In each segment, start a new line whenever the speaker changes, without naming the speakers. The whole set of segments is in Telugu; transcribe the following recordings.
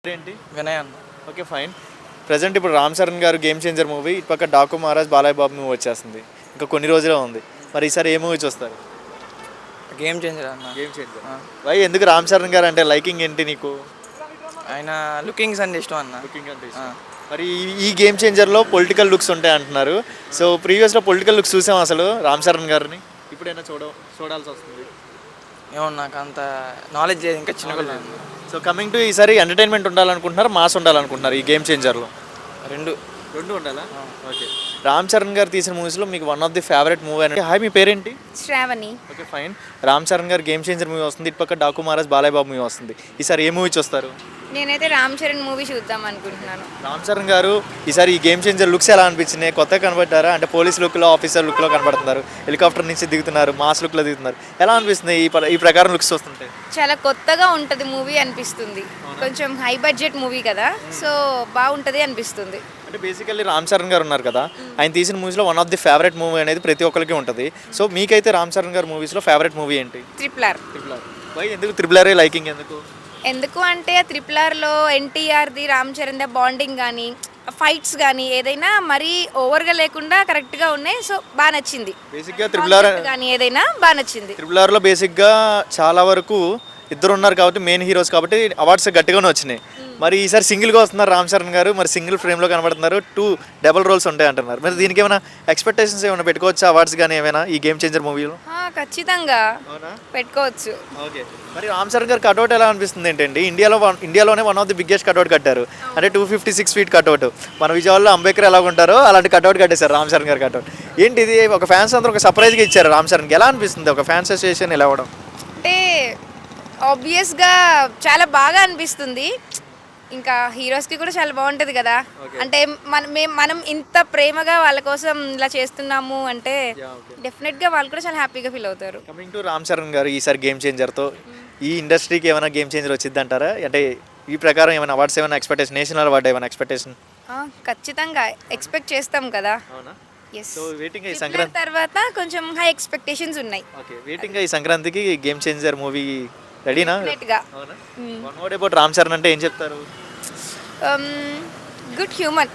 ఏంటి?
వినయ్ అన్న.
Okay fine. ప్రెజెంట్ ఇప్పుడు రామ్ చరణ్ గారు గేమ్ చేంజర్ మూవీ, ఇటు పక్క డాకు మహారాజ్ బాలయ్య బాబు మూవీ వచ్చేస్తుంది. ఇంకా కొన్ని రోజులే ఉంది. మరి ఈసారి ఏ మూవీ చూస్తారు?
గేమ్ చేంజర్ అన్న.
Game changer. వై ఎందుకు రామ్ చరణ్ గారు అంటే లైకింగ్ ఏంటి నీకు?
ఆయన లుకింగ్స్ అంటే ఇష్టం అన్న.
లుకింగ్ అంటే ఇష్టం. మరి ఈ గేమ్ చేంజర్లో పొలిటికల్ లుక్స్ ఉంటాయి అంటున్నారు. సో ప్రీవియస్లో పొలిటికల్ లుక్స్ చూసాం అసలు రామ్ చరణ్ గారిని, ఇప్పుడైనా చూడాల్సి వస్తుంది.
ఏమో నాకు అంత నాలెడ్జ్ లేదు, ఇంకా చిన్న.
సో కమింగ్ టు ఈసారి ఎంటర్టైన్మెంట్ ఉండాలనుకుంటున్నారు, మాస్ ఉండాలనుకుంటున్నారు ఈ గేమ్ చేంజర్లో? రెండు ఉండాలా? ఓకే. రామ్ చరణ్ గారు తీసిన మూవీస్లో మీకు one of the favourite movie అంటే? హాయ్, మీ పేరేంటి?
శ్రావణి.
Okay fine. రామ్ చరణ్ గారు గేమ్ చేంజర్ మూవీ వస్తుంది, ఇటు పక్క డాకు మహారాజ్ బాలయ్య బాబు మూవీ వస్తుంది. ఈసారి ఏ మూవీ చూస్తారు?
నేనైతే రామ్ చరణ్ మూవీ చూద్దాం అనుకుంటున్నాను.
రామ్ చరణ్ గారు ఈసారి ఈ గేమ్ చేంజర్ లుక్స్ ఎలా అనిపించినాయి? కొత్తగా కనబడ్డారా? అంటే పోలీస్ లుక్లో, ఆఫీసర్ లుక్లో కనబడుతున్నారు, హెలికాప్టర్ నుంచి దిగుతున్నారు, మాస్ లుక్లో దిగుతున్నారు. ఎలా అనిపిస్తుంది ఈ ప్రకారం లుక్స్ వస్తుంటే?
చాలా కొత్తగా ఉంటుంది మూవీ అనిపిస్తుంది. కొంచెం హై బడ్జెట్ మూవీ కదా, సో బాగుంటుంది అనిపిస్తుంది.
అంటే బేసికల్లీ రామ్ చరణ్ గారు ఉన్నారు కదా, ఆయన తీసిన మూవీస్లో one of the favourite movie అనేది ప్రతి ఒక్కరికి ఉంటుంది. సో మీకైతే రామ్ చరణ్ గారు మూవీస్లో ఫేవరెట్ మూవీ ఏంటి?
Triple R.
వై ఎందుకు ట్రిపుల్ ఆర్ లైకింగ్ ఎందుకు?
ఎందుకు అంటే ట్రిపుల్ ఆర్లో ఎన్టీఆర్ది రామ్ చరణ్ ద బాండింగ్ కానీ, ఫైట్స్ కానీ ఏదైనా మరీ ఓవర్గా లేకుండా కరెక్ట్గా ఉన్నాయి. సో బాగా నచ్చింది.
బేసిక్గా ట్రిపుల్ ఆర్
కానీ ఏదైనా బాగా నచ్చింది.
ట్రిపుల్ ఆర్లో బేసిక్గా చాలా వరకు ఇద్దరు ఉన్నారు కాబట్టి, మెయిన్ హీరోస్ కాబట్టి అవార్డ్స్ గట్టిగానే వచ్చినాయి. మరి ఈసారి సింగిల్గా వస్తున్నారు రామ్ చరణ్ గారు, మరి సింగిల్ ఫ్రేమ్లో కనబడుతున్నారు, 2 డబుల్ రోల్స్ ఉంటాయి అంటున్నారు. మరి దీనికి ఏమైనా ఎక్స్పెక్టేషన్స్ ఏమైనా పెట్టుకోవచ్చు అవార్డ్స్ కానీ ఏమైనా ఈ గేమ్ చేంజర్ మూవీలో?
ఖచ్చితంగా పెట్టుకోవచ్చు.
ఓకే. మరి రామ్ చరణ్ గారు కట్అవుట్ ఎలా అనిపిస్తుంది ఏంటండి? ఇండియాలోనే one of the biggest cutout కట్టారు, అంటే 256 ఫీట్ కట్అవుట్. మన విజయవాడలో అంబేద్కర్ ఎలా ఉంటారో అలాంటి కట్అవుట్ కట్టేశారు రామ్ చరణ్ గారు కట్అవుట్. ఏంటి ఇది? ఒక ఫ్యాన్స్ అందరూ ఒక సర్ప్రైజ్గా ఇచ్చారు రామ్ చరణ్కి. ఎలా అనిపిస్తుంది ఒక ఫ్యాన్స్ అసోసియేషన్ ఇలా అవ్వడం?
అంటే ఆబ్వియస్గా చాలా బాగా అనిపిస్తుంది. ఇంకా హీరోస్కి కూడా చాలా బాగుంటుంది కదా. అంటే మనం ఇంత ప్రేమగా వాళ్ళ కోసం ఇలా చేస్తున్నాము అంటే డెఫినెట్గా వాళ్ళు కూడా చాలా హ్యాపీగా ఫీల్ అవుతారు.
కమింగ్ టు రామ్ చరణ్ గారు, ఈసారి గేమ్ చేంజర్తో ఈ ఇండస్ట్రీకి ఏమైనా గేమ్ చేంజర్ వచ్చింది అంటారా? అంటే ఈ ప్రకారం ఏమైనా అవార్డ్స్ ఏమైనా ఎక్స్పెక్టేషన్, నేషనల్ అవార్డు ఏమైనా ఎక్స్పెక్టేషన్?
ఖచ్చితంగా ఎక్స్పెక్ట్ చేస్తాం కదా.
సో వెయిటింగ్ ఈ సంక్రాంతి
తర్వాత కొంచెం హై ఎక్స్పెక్టేషన్స్ ఉన్నాయి.
ఓకే, వెయిటింగ్ ఈ సంక్రాంతికి గేమ్ చేంజర్ మూవీ రెడీనా? One word about Ram Charan అంటే ఏం చెప్తారు?
Good human.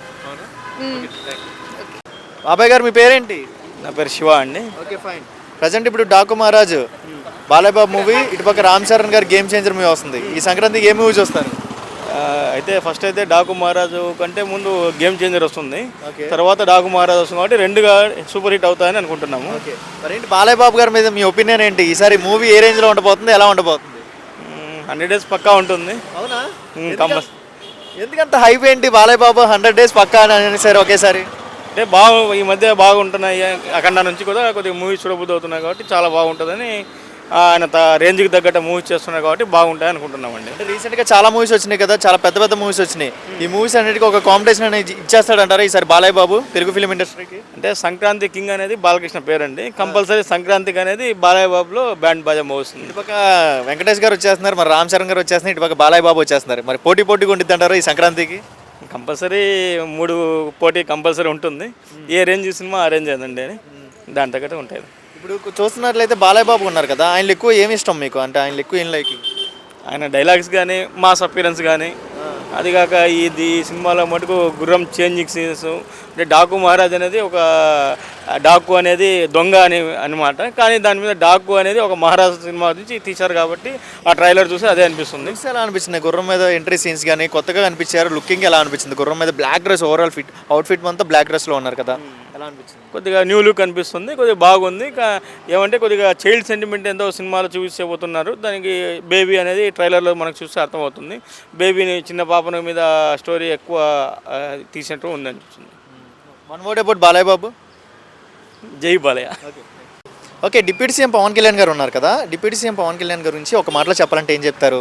బాబాయ్ గారు, మీ పేరేంటి?
నా పేరు శివ అండి.
Okay fine. ప్రజెంట్ ఇప్పుడు డాకు మహారాజ్ బాలయ్య బాబు మూవీ, ఇటుపక్క రామ్ చరణ్ గారు గేమ్ చేంజర్ మూవీ వస్తుంది. ఈ సంక్రాంతికి ఏ మూవీ చూస్తారు?
అయితే ఫస్ట్ అయితే డాకు మహారాజు కంటే ముందు గేమ్ చేంజర్ వస్తుంది, తర్వాత డాకు మహారాజు వస్తుంది కాబట్టి రెండుగా సూపర్ హిట్ అవుతాయని అనుకుంటున్నాము.
మరి ఏంటి బాలయ్య బాబు గారి మీద మీ ఒపీనియన్ ఏంటి? ఈసారి మూవీ ఏ రేంజ్లో ఉండబోతుంది, ఎలా ఉండబోతుంది?
100 days పక్కా ఉంటుంది.
అవునా?
కంపల్సరీ.
ఎందుకంత హైప్ ఏంటి? బాలయ్య బాబు 100 days పక్కా అని అనేసారు ఒకేసారి.
అంటే ఈ మధ్య బాగుంటున్నాయి, అఖండ నుంచి కూడా కొద్దిగా మూవీస్ చూడబుద్ధి అవుతున్నాయి కాబట్టి చాలా బాగుంటుందని ఆయన రేంజ్కి తగ్గట్టు మూవీస్ చేస్తున్నారు కాబట్టి బాగుంటాయి అనుకుంటున్నామండి.
అంటే రీసెంట్గా చాలా మూవీస్ వచ్చినాయి కదా, చాలా పెద్ద పెద్ద మూవీస్ వచ్చినాయి. ఈ మూవీస్ అన్నిటికీ ఒక కాంపిటీషన్ అనేది ఇచ్చేస్తాడంటారా ఈసారి బాలయ్య బాబు తెలుగు ఫిలిం ఇండస్ట్రీకి?
అంటే సంక్రాంతి కింగ్ అనేది బాలకృష్ణ పేరండి, కంపల్సరీ సంక్రాంతికి అనేది బాలయ్య బాబులో బ్యాండ్ బాజా మోస్తుంది.
ఇటుపక్క వెంకటేష్ గారు వచ్చేస్తున్నారు, మరి రామ్ చరణ్ గారు వచ్చేస్తున్నారు, ఇటుపక్క బాలయ్య బాబు వచ్చేస్తున్నారు. మరి పోటీగా ఉండిద్ది అంటారా ఈ సంక్రాంతికి?
కంపల్సరీ 3 పోటీ కంపల్సరీ ఉంటుంది. ఏ రేంజ్ సినిమా ఆ రేంజ్ ఏదండి అని దాని తగ్గట్టు ఉంటాయి.
ఇప్పుడు చూస్తున్నట్లయితే బాలయ్య బాబు ఉన్నారు కదా, ఆయనలో ఎక్కువ ఏమి ఇష్టం మీకు? అంటే ఆయనలో ఎక్కువ ఏం లైకింగ్?
ఆయన డైలాగ్స్ కానీ, మాస్ అపీరెన్స్ కానీ, అదిగాక ఈ సినిమాలో మటుకు గుర్రం చేంజింగ్ సీన్స్. అంటే డాకు మహారాజ్ అనేది ఒక డాకు అనేది దొంగ అనమాట, కానీ దాని మీద డాకు అనేది ఒక మహారాజు సినిమా నుంచి తీశారు కాబట్టి ఆ ట్రైలర్ చూసి అదే అనిపిస్తుంది.
ఎలా అనిపించింది గుర్రం మీద ఎంట్రీ సీన్స్ కానీ? కొత్తగా అనిపించారు, లుకింగ్ ఎలా అనిపించింది? గుర్రం మీద బ్లాక్ డ్రెస్, ఓవరాల్ అవుట్ఫిట్ అంతా బ్లాక్ డ్రెస్లో ఉన్నారు కదా, ఎలా అనిపించింది?
కొద్దిగా న్యూ లుక్ అనిపిస్తుంది, కొద్దిగా బాగుంది. ఏమంటే కొద్దిగా చైల్డ్ సెంటిమెంట్ ఎంతో సినిమాలో చూపించబోతున్నారు. దానికి బేబీ అనేది ట్రైలర్లో మనకు చూస్తే అర్థమవుతుంది. బేబీని, చిన్న పాపన మీద స్టోరీ ఎక్కువ తీసినట్టు ఉంది అనిపిస్తుంది.
One word about Balayya Babu.
జై Balayya.
Okay, deputy CM Pawan Kalyan గారు ఉన్నారు కదా, డిప్యూటీ సీఎం పవన్ కళ్యాణ్ గురించి ఒక మాటలో చెప్పాలంటే ఏం చెప్తారు?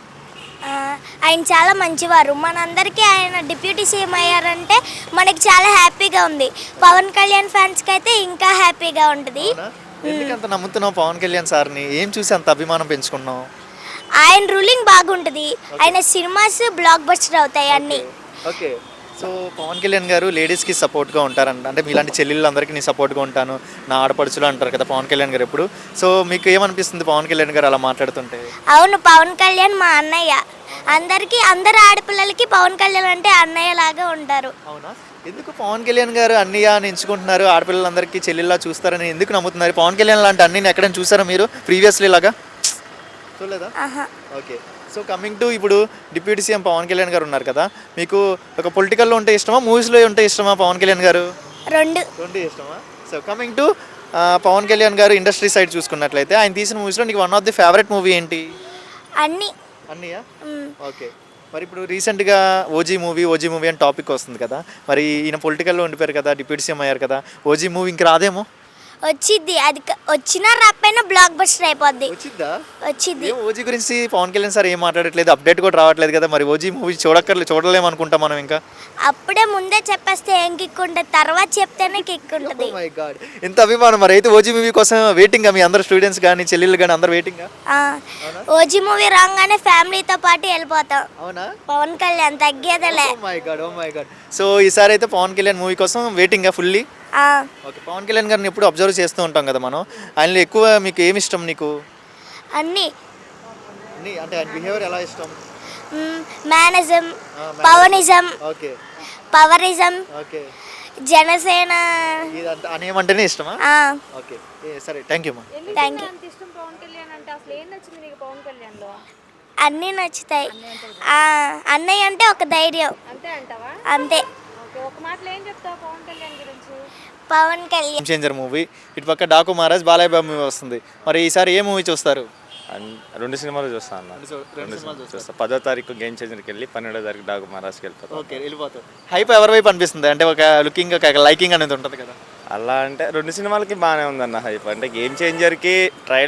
ఆయన చాలా మంచివారు. మనందరికీ ఆయన డిప్యూటీ సీఎం అయ్యారంటే మనకి చాలా హ్యాపీగా ఉంది. పవన్ కళ్యాణ్ ఫ్యాన్స్కి అయితే ఇంకా హ్యాపీగా ఉంటుంది.
ఎందుకంత నమ్ముతున్నావు పవన్ కళ్యాణ్ సార్ని? ఏం చూసి అంత అభిమానం పెంచుకున్నావు?
ఆయన రూలింగ్ బాగుంటుంది, ఆయన సినిమాస్ బ్లాక్ బస్టర్ అవుతాయి అన్నీ.
ఓకే, సో పవన్ కళ్యాణ్ గారు లేడీస్కి సపోర్ట్గా ఉంటారంట, అంటే మీలాంటి చెల్లెళ్ళందరికీ నేను సపోర్ట్గా ఉంటాను, నా ఆడపడుచులు అంటారు కదా పవన్ కళ్యాణ్ గారు ఎప్పుడు. సో మీకు ఏమనిపిస్తుంది పవన్ కళ్యాణ్ గారు అలా మాట్లాడుతుంటే?
అవును, పవన్ కళ్యాణ్ మా అన్నయ్య. అందరు ఆడపిల్లలకి పవన్ కళ్యాణ్ అంటే అన్నయ్య లాగా ఉంటారు.
అవునా? ఎందుకు పవన్ కళ్యాణ్ గారు అన్నయ్య అని ఎంచుకుంటున్నారు, ఆడపిల్లలందరికీ చెల్లెల్లా చూస్తారని ఎందుకు నమ్ముతున్నారు? పవన్ కళ్యాణ్ లాంటి అన్నీని ఎక్కడైనా చూసారా మీరు ప్రీవియస్లీ లాగా? చూడలేదా?
ఆహా.
ఓకే. సో కమింగ్ టు ఇప్పుడు డిప్యూటీ సీఎం పవన్ కళ్యాణ్ గారు ఉన్నారు కదా, మీకు ఒక పొలిటికల్లో ఉంటే ఇష్టమా, మూవీస్లో ఉంటే ఇష్టమా పవన్ కళ్యాణ్ గారు?
రెండు
ఇష్టమా? So coming to Pawan Kalyan గారు ఇండస్ట్రీ సైడ్ చూసుకున్నట్లయితే ఆయన తీసిన మూవీస్లో నీకు one of the favourite movie ఏంటి?
అన్ని.
అన్నయ్య. ఓకే. మరి ఇప్పుడు రీసెంట్గా ఓజీ మూవీ అని టాపిక్ వస్తుంది కదా, మరి ఈయన పొలిటికల్లో ఉండిపోయారు కదా, డిప్యూటీ సీఎం అయ్యారు కదా, ఓజీ మూవీ ఇంక రాదేమో?
వచ్చిద్ది, అది వచ్చినా రాకపోయినా బ్లాక్ బస్టర్ అయిపోద్ది.
వచ్చిద్దా?
వచ్చిద్ది.
ఏం ఓజీ గురించి పవన్ కళ్యాణ్ సార్ ఏం మాట్లాడట్లేదు, అప్డేట్ కూడా రావట్లేదు కదా, మరి ఓజీ మూవీ చూడలేము అనుకుంటాం మనం ఇంకా.
అప్పుడే ముందే చెప్పేస్తే ఏం కిక్ ఉంటుంది, తర్వాత చెప్తేనే కిక్ ఉంటుంది.
మై గాడ్, ఎంత అభిమానం. మరి అయితే ఓజీ మూవీ కోసం వెయిటింగ్ మీ అందరు స్టూడెంట్స్ కానీ చెల్లెళ్ళు కానీ అందరు వెయిటింగ్?
ఓజీ మూవీ రాగానే ఫ్యామిలీతో పాటు వెళ్ళిపోతాం.
అవునా?
పవన్ కళ్యాణ్ తగ్గేదలే.
Oh my god. సో ఈసారి అయితే పవన్ కళ్యాణ్ మూవీ కోసం waiting fully. Okay. Pawan Kalyan గారిని ఎప్పుడు అబ్జర్వ్ చేస్తూ ఉంటాం కదా మనం, ఆయనలో ఎక్కువ మీకు ఏమి ఇష్టం నీకు?
అన్ని.
అంటే ఆయన బిహేవియర్ ఎలా ఇష్టం?
మేనజం, పవనిజం,
ఓకే,
పవరిజం,
ఓకే,
జనసేన
ఇదంతా అనేమంటేనే ఇష్టమా? ఓకే, సరే, థ్యాంక్ యూ మా.
Thank you.
ఇష్టం పవన్ కళ్యాణ్ అంటే అసలు ఏం నచ్చింది నీకు పవన్ కళ్యాణ్లో?
అన్నీ నచ్చుతాయి. అన్నయ్య అంటే ఒక ధైర్యం.
అంతే అంటావా?
అంతే.
ఓకే, ఒక మాటలో ఏం చెప్తావు పవన్ కళ్యాణ్ గురించి?
పవన్ కళ్యాణ్
చేంజర్ మూవీ, ఇటు పక్క డాకు మహారాజ్ బాలయ్య బాబు మూవీ వస్తుంది, మరి ఈసారి ఏ మూవీ చూస్తారు?
రెండు సినిమాలు చూస్తాను అన్న. చూస్తా. 10వ తారీఖు గేమ్ చేంజర్కి వెళ్ళి 12వ తారీఖు డాకు మహారాజ్కి వెళ్ళిపోతాం.
ఓకే, వెళ్ళిపోతారు. హైప్ ఎవరి వైపు అనిపిస్తుంది? అంటే ఒక లుకింగ్, ఒక లైకింగ్ అనేది ఉంటుంది కదా.
అలా అంటే రెండు సినిమాలకి బాగానే ఉందన్న హైప్. అంటే గేమ్ చేంజర్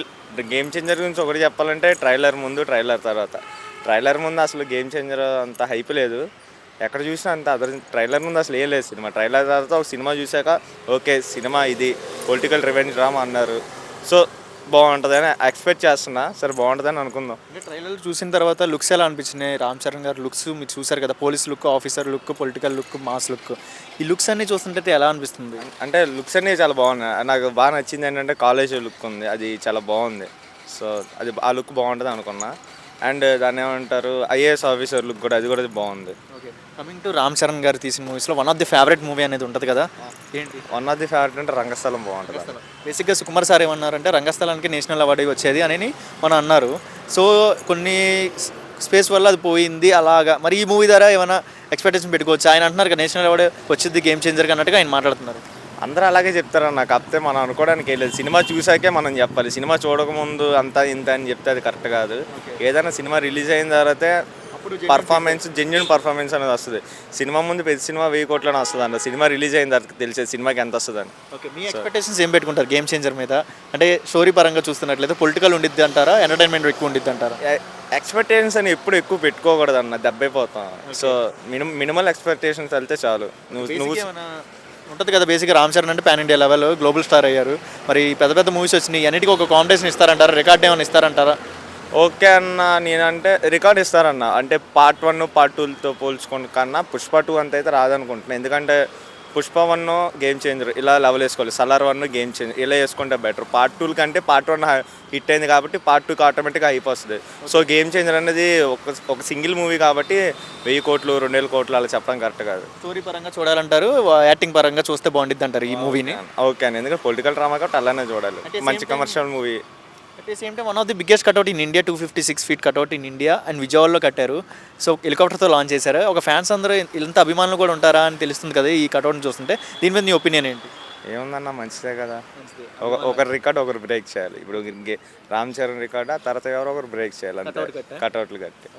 గురించి ఒకటి చెప్పాలంటే ట్రైలర్ ముందు, ట్రైలర్ తర్వాత. ట్రైలర్ ముందు అసలు గేమ్ చేంజర్ అంత హైప్ లేదు, ఎక్కడ చూసినా అంత ట్రైలర్ ముందు అసలు ఏం లేదు సినిమా. ట్రైలర్ తర్వాత ఒక సినిమా చూశాక ఓకే సినిమా ఇది పొలిటికల్ రివెంజ్ డ్రామా అన్నారు, సో బాగుంటుందని ఎక్స్పెక్ట్ చేస్తున్నా. సరే బాగుంటుందని అనుకుందాం.
అంటే ట్రైలర్ చూసిన తర్వాత లుక్స్ ఎలా అనిపించినాయి? రామ్ చరణ్ గారు లుక్స్ మీరు చూసారు కదా, police look, officer look, political look, mass look, ఈ లుక్స్ అన్నీ చూస్తుంటే ఎలా అనిపిస్తుంది?
అంటే లుక్స్ అన్నీ చాలా బాగున్నాయి. నాకు బాగా నచ్చింది ఏంటంటే కాలేజ్ లుక్ ఉంది, అది చాలా బాగుంది. సో అది ఆ లుక్ బాగుంటుంది అనుకున్నా. అండ్ దాన్ని ఏమంటారు ఐఏఎస్ ఆఫీసర్ లుక్ కూడా, అది కూడా బాగుంది.
Okay. Coming to Ram Charan గారు తీసిన మూవీస్లో one of the favourite movie అనేది ఉంటుంది కదా, ఏంటి?
వన్ ఆఫ్ ది ఫేవరెట్ అంటే రంగస్థలం బాగుంటుంది.
బేసిక్గా సుకుమార్ సార్ ఏమన్నారంటే రంగస్థలానికి నేషనల్ అవార్డు వచ్చేది అని మనం అన్నారు. సో కొన్ని స్పేస్ వల్ల అది పోయింది అలాగా. మరి ఈ మూవీ ద్వారా ఏమైనా ఎక్స్పెక్టేషన్ పెట్టుకోవచ్చు? ఆయన అంటున్నారు కదా నేషనల్ అవార్డు వచ్చింది గేమ్ చేంజర్గా అన్నట్టుగా ఆయన మాట్లాడుతున్నారు.
అందరూ అలాగే చెప్తారన్న, కాకపోతే మనం అనుకోవడానికి వెళ్ళలేదు. సినిమా చూసాకే మనం చెప్పాలి. సినిమా చూడకముందు అంతా ఇంత అని చెప్తే అది కరెక్ట్ కాదు. ఏదైనా సినిమా రిలీజ్ అయిన తర్వాతే పర్ఫార్మెన్స్, జెన్యున్ పర్ఫార్మెన్స్ అనేది వస్తుంది. సినిమా ముందు పెద్ద సినిమా 1000 కోట్లని వస్తుంది అంట, సినిమా రిలీజ్ అయిన తర్వాత తెలిసేది సినిమాకి ఎంత వస్తుందని.
ఓకే, మీ ఎక్స్పెక్టేషన్స్ ఏం పెట్టుకుంటారు గేమ్ చేంజర్ మీద? అంటే స్టోరీ పరంగా చూస్తున్నట్లయితే పొలిటికల్ ఉండిద్ది అంటారా, ఎంటర్టైన్మెంట్ ఎక్కువ ఉండిద్ది అంటారా?
ఎక్స్పెక్టేషన్స్ అని ఎప్పుడు ఎక్కువ పెట్టుకోకూడదు అన్న, దెబ్బైపోతాం. సో మినిమల్ ఎక్స్పెక్టేషన్స్ వెళ్తే చాలు. నువ్వు
ఉంటుంది కదా బేసిక్గా రామ్ చరణ్ అంటే pan India level global star అయ్యారు, మరి పెద్ద పెద్ద మూవీస్ వచ్చినాయి, అన్నిటికీ ఒక కాంపిటీషన్ ఇస్తారంటారా, రికార్డ్ ఏమైనా ఇస్తారంటారా?
ఓకే అన్న, నేనంటే రికార్డ్ ఇస్తారన్న. అంటే పార్ట్ 1 పార్ట్ 2తో పోల్చుకోండి కన్నా పుష్ప 2 అంత అయితే రాదనుకుంటున్నాను. ఎందుకంటే పుష్ప 1 గేమ్ చేంజర్ ఇలా లెవెల్ వేసుకోవాలి, సలార్ 1 గేమ్ చేంజర్ ఇలా వేసుకుంటే బెటర్. పార్ట్ 2 కంటే పార్ట్ 1 హిట్ అయింది కాబట్టి పార్ట్ 2కి ఆటోమేటిక్గా అయిపోతుంది. సో గేమ్ చేంజర్ అనేది ఒక సింగిల్ మూవీ కాబట్టి 1000 కోట్లు 2000 కోట్లు అలా చెప్పడం కరెక్ట్ కాదు.
స్టోరీ పరంగా చూడాలంటారు, యాక్టింగ్ పరంగా చూస్తే బాగుండిద్ది అంటారు ఈ మూవీని.
ఓకే అండి, ఎందుకంటే పొలిటికల్ డ్రామా కాబట్టి అలానే చూడాలి, మంచి commercial movie.
At the same time one of the biggest cutout in India, 256 feet cutout in India and విజయవాడలో కట్టారు. సో హెలికాప్టర్తో లాంచ్ చేశారు. ఒక ఫ్యాన్స్ అందరూ ఇంత అభిమానులు కూడా ఉంటారా అని తెలుస్తుంది కదా ఈ కట్అవుట్ని చూస్తుంటే, దీని మీద నీ ఒపీనియన్ ఏంటి?
ఏముందన్న, మంచిదే కదా. ఒకరి రికార్డ్ ఒకరు బ్రేక్ చేయాలి. ఇప్పుడు రామ్ చరణ్ రికార్డ్ ఆ తర్వాత ఎవరో ఒకరు బ్రేక్ చేయాలి అంతే, కట్అవుట్లు కట్టి.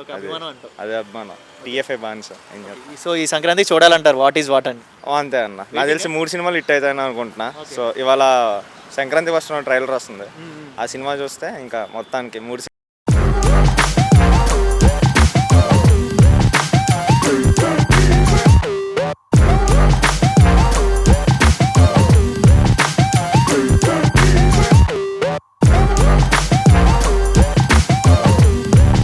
అదే అభిమానం, టీఎఫ్ఐ బాన్స్.
సో ఈ సంక్రాంతికి చూడాలంటారు వాట్ ఈజ్ వాట్ అని?
అంతే అన్న, నాకు తెలిసి 3 సినిమాలు హిట్ అవుతాయని అనుకుంటున్నా. సో ఇవాళ సంక్రాంతి వస్తున్న ట్రైలర్ వస్తుంది, ఆ సినిమా చూస్తే ఇంకా మొత్తానికి 3